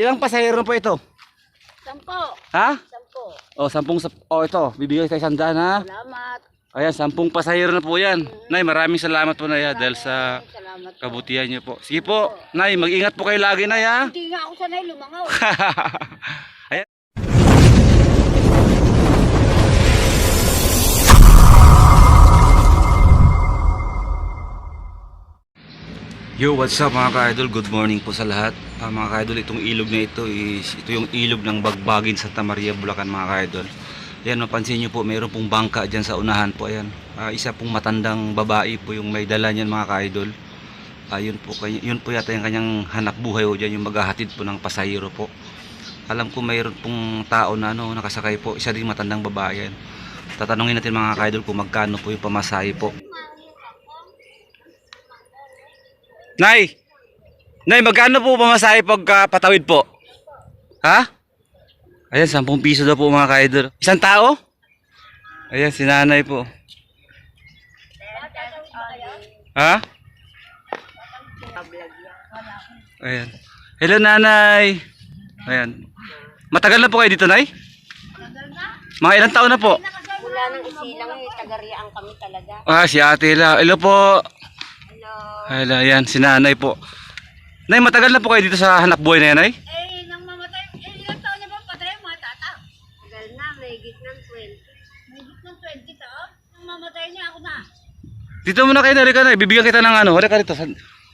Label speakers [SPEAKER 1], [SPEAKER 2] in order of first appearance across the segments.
[SPEAKER 1] Ilang pasahero po ito?
[SPEAKER 2] 10.
[SPEAKER 1] Ha?
[SPEAKER 2] 10.
[SPEAKER 1] O, 10. O, ito. Bibigay tayo 100 ha.
[SPEAKER 2] Salamat.
[SPEAKER 1] Ayan, 10 pasahero na po yan. Nay, maraming salamat po Nay dahil sa
[SPEAKER 2] Salamat po.
[SPEAKER 1] kabutihan niyo po. Sige po, Nay, mag-ingat po kayo lagi Nay ha.
[SPEAKER 2] Hindi nga ako sanay lumangaw.
[SPEAKER 1] Ayan. Yo, what's up mga ka-idol? Good morning po sa lahat. Mga ka-idol, itong ilog na ito is ito yung ilog ng Bagbagin, Santa Maria, Bulacan mga ka-idol. Ayan, mapansin nyo po, mayroon pong bangka dyan sa unahan po. Ayan, isa pong matandang babae po yung may dala niyan mga ka-idol. Yun po yata yung kanyang hanap buhay o dyan, yung maghahatid po ng pasahero po. Alam ko mayroon pong tao na nakasakay po, isa din matandang babae yan. Tatanungin natin mga ka-idol kung magkano po yung pamasahe po. Nay! Nay, magkano po pamasahe pagka patawid po? Ha? Ayan, 10 piso daw po mga ka-idol. Isang tao? Ayan, si nanay po. Ha? Ayan. Hello nanay. Ayan. Matagal na po kayo dito, Nay? Mga ilang taon na po?
[SPEAKER 2] Wala nang isilang taga-riaan kami talaga.
[SPEAKER 1] Si ate la. Hello po.
[SPEAKER 2] Hello.
[SPEAKER 1] Hello, ayan, si nanay po. Nay, matagal na po kayo dito sa hanap buhay na yan, Nay?
[SPEAKER 2] Nang mamatay, ilang taon na ba patay yung mga tata? Tagal na, may git ng 20. May git ng 20 taon? Nang mamatay niya ako na.
[SPEAKER 1] Dito muna kayo, Nay. Nay, bibigyan kita ng ano. Halika dito.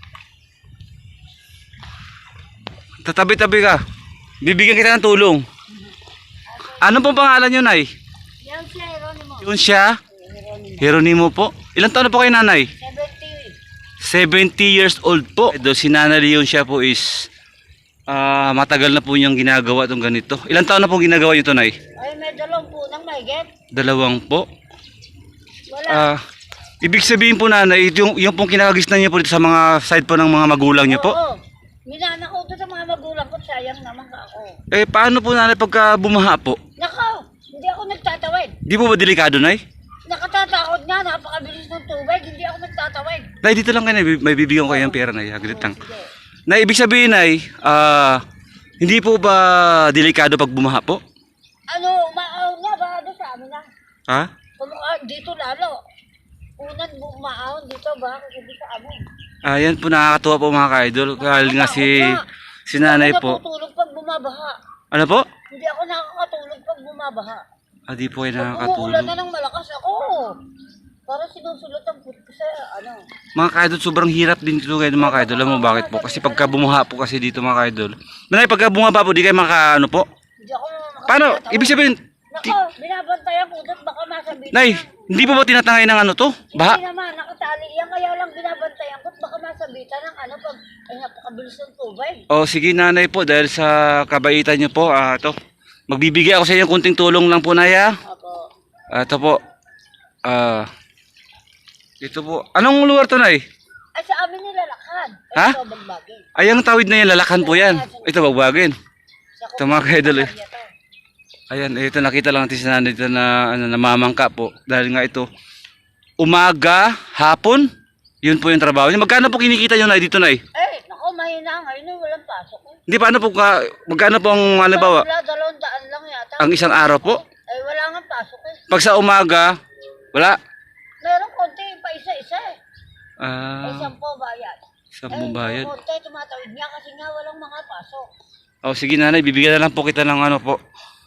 [SPEAKER 1] Tatabi-tabi ka. Bibigyan kita ng tulong. Ano pong pangalan nyo, Nay?
[SPEAKER 2] Yan siya, Jeronimo.
[SPEAKER 1] Yun siya? Jeronimo po. Ilang taon na po kayo, Nanay? 70 years old po. Ito, si Nanay Leon siya po is matagal na po niyang ginagawa itong ganito. Ilang taon na po ginagawa nyo ito, Nay?
[SPEAKER 2] Ay, may dalawang po nang mahigit.
[SPEAKER 1] 2 po.
[SPEAKER 2] Wala.
[SPEAKER 1] Ibig sabihin po, Nanay, yung pong kinakagisnan niyo po dito sa mga side po ng mga magulang niyo po?
[SPEAKER 2] Oo. Minana ko ito sa mga magulang ko, sayang naman ako.
[SPEAKER 1] Paano po, Nanay, pagka bumaha po?
[SPEAKER 2] Nako, hindi ako nagtatawid.
[SPEAKER 1] Di po ba delikado, Nay?
[SPEAKER 2] Nakatatakot nga, napakabilis ng tubig, hindi ako nagtatawid.
[SPEAKER 1] Nay, dito lang kayo, Nay. May bibigyan ko kayo ng pera, Nay. Aglit lang.
[SPEAKER 2] Sige.
[SPEAKER 1] Nay, ibig sabihin, Nay, hindi po ba delikado pag bumaha po?
[SPEAKER 2] Ano, maaw nga ba doon sa amin na?
[SPEAKER 1] Ha?
[SPEAKER 2] Dito lalo. Unang maahon dito ba? Kasi sa amin.
[SPEAKER 1] Ayan po, nakakatuwa po mga ka-idol. Dahil nga si Nanay po.
[SPEAKER 2] Hindi ako natutulog pag bumabaha.
[SPEAKER 1] Ano po?
[SPEAKER 2] Hindi ako nakakatulog pag bumabaha.
[SPEAKER 1] Di po kayo
[SPEAKER 2] Pag umuulan
[SPEAKER 1] nakakatulog.
[SPEAKER 2] na ng malakas ako. Para sinusulot ang puto ko sa ano.
[SPEAKER 1] Mga ka-idol, sobrang hirap din dito kayo mga ka-idol. Alam mo bakit po? Kasi pagka bumaha po kasi dito mga ka-idol. Nanay, pagka bumaha po, di kayo ano po?
[SPEAKER 2] Hindi ako
[SPEAKER 1] Paano? Ibig sabihin,
[SPEAKER 2] Nako, binabantayan ko doon baka masabitan.
[SPEAKER 1] Nay, hindi po ba tinatangay ng ano to? Baha?
[SPEAKER 2] Hindi naman, nakatali yan. Kaya lang binabantayan ko baka masabitan ng ano pag ay napakabilis ng tubig.
[SPEAKER 1] Sige Nanay po, dahil sa kabaitan niyo po, ito. Magbibigay ako sa inyo kunting tulong lang po, Nay, ha?
[SPEAKER 2] Ako.
[SPEAKER 1] Ito po. Ito po. Anong lugar to, Nay?
[SPEAKER 2] Ay sa amin nilalakad.
[SPEAKER 1] Ha?
[SPEAKER 2] Ito, Bagbagin.
[SPEAKER 1] Ay, ang tawid na yan, lalakan po yan. Ito, Bagbagin. Ito mga ka-idol eh. Ayan, ito nakita lang natin si Nanay dito na namamangka po. Dahil nga ito, umaga, hapon, yun po yung trabaho niya. Magkano po kinikita nyo, Nay, dito, Nay?
[SPEAKER 2] Nako, mahina ngayon. Walang pasok.
[SPEAKER 1] Hindi, paano po, magkano po ang halimbawa?
[SPEAKER 2] Wala, 200 lang yata.
[SPEAKER 1] Ang isang araw po?
[SPEAKER 2] Wala nga pasok eh.
[SPEAKER 1] Pag sa umaga, wala?
[SPEAKER 2] Meron konti, pa isa-isa eh. Ay, 10 bayad.
[SPEAKER 1] 10 bayad.
[SPEAKER 2] Konti, tumatawid niya kasi nga walang mga pasok.
[SPEAKER 1] Sige Nanay, bibigyan na lang po kita ng ano po.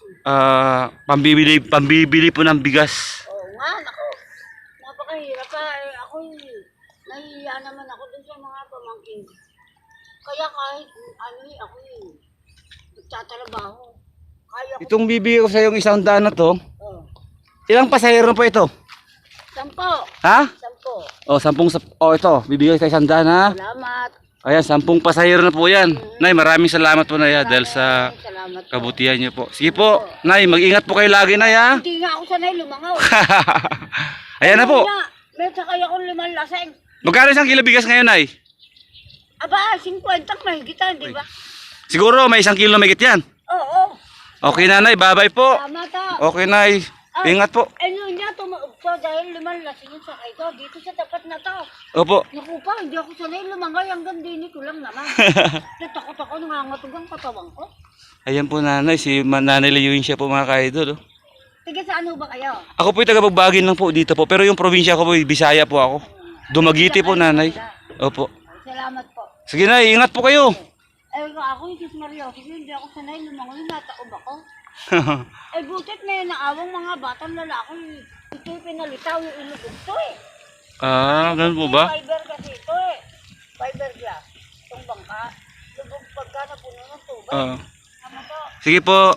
[SPEAKER 1] Pambibili po ng bigas.
[SPEAKER 2] Oo nga, nako. Napakahirap pa. Ako nahihiya naman ako dun sa mga pamangkin. Kaya kahit ako nagtatrabaho. Kaya ko.
[SPEAKER 1] Itong bibigyan ko sa yung 100 na to,
[SPEAKER 2] Oh.
[SPEAKER 1] ilang pasahero po ito?
[SPEAKER 2] 10.
[SPEAKER 1] Ha?
[SPEAKER 2] 10.
[SPEAKER 1] 10. Ito, bibigyan ko sa 100 ha.
[SPEAKER 2] Salamat.
[SPEAKER 1] Ayan, 10 pasahero na po yan. Nay, maraming salamat po, Nay, dahil sa
[SPEAKER 2] Salamat po.
[SPEAKER 1] kabutihan niyo po. Sige po, Nay, mag-ingat po kayo lagi, Nay, ha.
[SPEAKER 2] Hindi nga ako sanay lumangaw.
[SPEAKER 1] Ayan na po.
[SPEAKER 2] May sakay akong 5 laseng.
[SPEAKER 1] Magkano isang kilo bigas ngayon, Nay?
[SPEAKER 2] Aba, 50 mahigitan, di ba?
[SPEAKER 1] Siguro may 1 kilo megit yan.
[SPEAKER 2] Oo.
[SPEAKER 1] Okay, Nanay, bye-bye po.
[SPEAKER 2] Salamat ha.
[SPEAKER 1] Okay, Nay. Ingat po.
[SPEAKER 2] Ano niya, tumuugtod. dahil lasing yung sakay ko. Dito sa tapat na to.
[SPEAKER 1] Opo.
[SPEAKER 2] Naku pa, hindi ako sanay lumangay. Hanggang dini ko lang naman. Natakot ako, nangangatog ang katawan ko.
[SPEAKER 1] Ayan po nanay, si Nanay Layuin siya po mga ka-idol. Oh.
[SPEAKER 2] Tiga saan ho ba kayo?
[SPEAKER 1] Ako po yung taga-Bagbagin lang po dito po. Pero yung probinsya ko po, Bisaya po ako. Dumaguete po nanay. Opo.
[SPEAKER 2] Salamat po.
[SPEAKER 1] Sige na, ingat po kayo.
[SPEAKER 2] Ako yung Sis Mario. Kasi hindi ako sanay lumangoy. Nataob ako. Butit may naawang mga batang lalaki. Ito yung pinalitaw yung ilugog to eh.
[SPEAKER 1] Ganun po ba?
[SPEAKER 2] Fiber kasi ito eh. Fiberglass. Itong bangka. Lubog pagka napuno ng tubig. Ano to?
[SPEAKER 1] Sige po.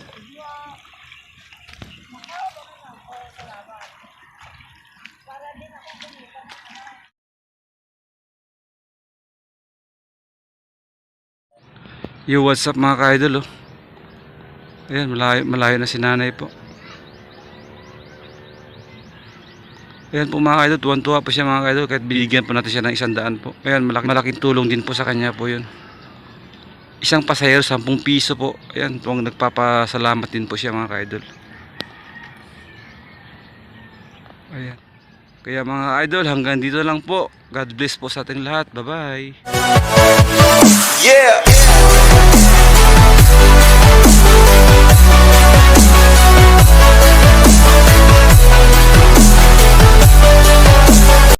[SPEAKER 2] Para din ako kumita.
[SPEAKER 1] Yo, what's up mga ka-idol oh. Ayan, malayo na si nanay po. Ayan po mga ka-idol, tuwan-tuwa po siya mga ka-idol kahit bigyan po natin siya ng 100 po. Ayan, malaking tulong din po sa kanya po yun. Isang pasahero, 10 piso po. Ayan, tuwang nagpapasalamat din po siya mga ka-idol. Ayan. Kaya mga idol, hanggang dito lang po. God bless po sa ating lahat. Bye-bye.
[SPEAKER 3] Yeah.